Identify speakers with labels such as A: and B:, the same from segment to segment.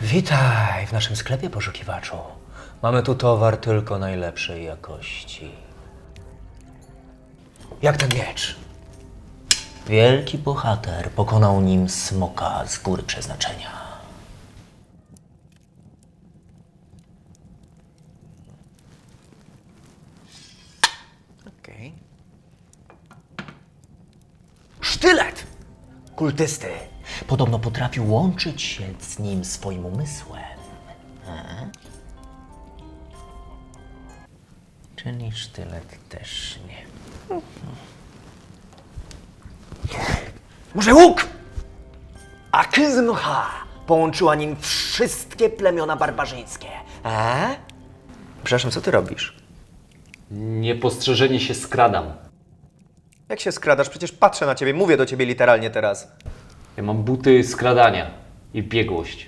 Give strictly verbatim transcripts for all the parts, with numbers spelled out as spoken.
A: Witaj w naszym sklepie, poszukiwaczu. Mamy tu towar tylko najlepszej jakości. Jak ten miecz? Wielki bohater pokonał nim smoka z góry przeznaczenia. Okej. Sztylet! Kultysty. Podobno potrafił łączyć się z nim swoim umysłem. A? Czyli sztylet też nie. Może łuk? Akyzmcha połączyła nim wszystkie plemiona barbarzyńskie. A? Przepraszam, co ty robisz?
B: Niepostrzeżenie się skradam.
C: Jak się skradasz? Przecież patrzę na ciebie, mówię do ciebie literalnie teraz.
B: Ja mam buty skradania i biegłość.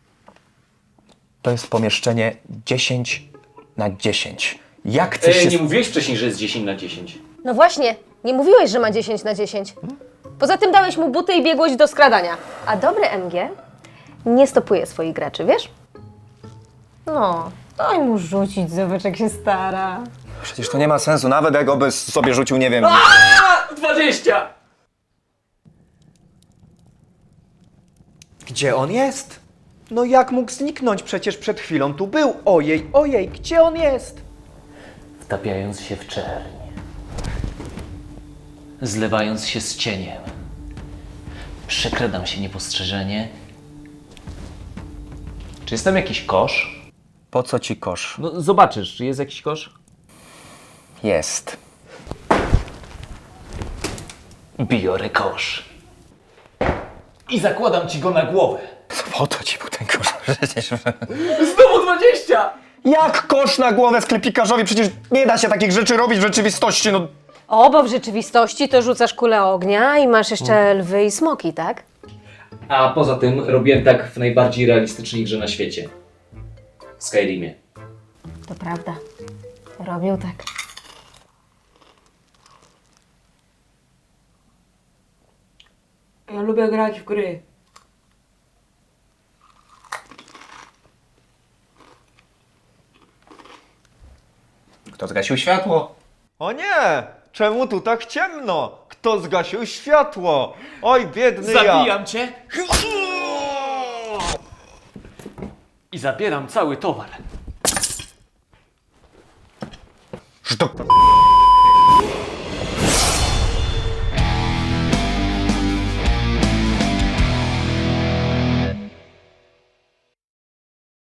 D: To jest pomieszczenie dziesięć na dziesięć. Jak chcesz
B: Ej,
D: się...
B: nie mówiłeś wcześniej, że jest dziesięć na dziesięć.
E: No właśnie, nie mówiłeś, że ma dziesięć na dziesięć. Poza tym dałeś mu buty i biegłość do skradania. A dobry M G nie stopuje swoich graczy, wiesz? No, daj mu rzucić, zobacz jak się stara.
D: Przecież to nie ma sensu, nawet jak by sobie rzucił, nie wiem...
B: dwadzieścia!
C: Gdzie on jest? No jak mógł zniknąć? Przecież przed chwilą tu był. Ojej, ojej, gdzie on jest?
B: Wtapiając się w czerń. Zlewając się z cieniem. Przekradam się niepostrzeżenie. Czy jest tam jakiś kosz?
D: Po co ci kosz?
B: No zobaczysz, czy jest jakiś kosz?
D: Jest.
B: Biorę kosz. I zakładam ci go na głowę.
D: Po to ci był ten kosz? Przecież...
B: Znowu dwadzieścia!
D: Jak kosz na głowę sklepikarzowi? Przecież nie da się takich rzeczy robić w rzeczywistości, no...
E: O, bo w rzeczywistości to rzucasz kulę ognia i masz jeszcze lwy i smoki, tak?
B: A poza tym robiłem tak w najbardziej realistycznej grze na świecie. W Skyrimie.
E: To prawda. Robił tak.
F: Ja lubię grać w gry.
D: Kto zgasił światło?
C: O nie! Czemu tu tak ciemno? Kto zgasił światło? Oj, biedny ja!
B: Zabijam cię! I zabieram cały towar.
D: Że to...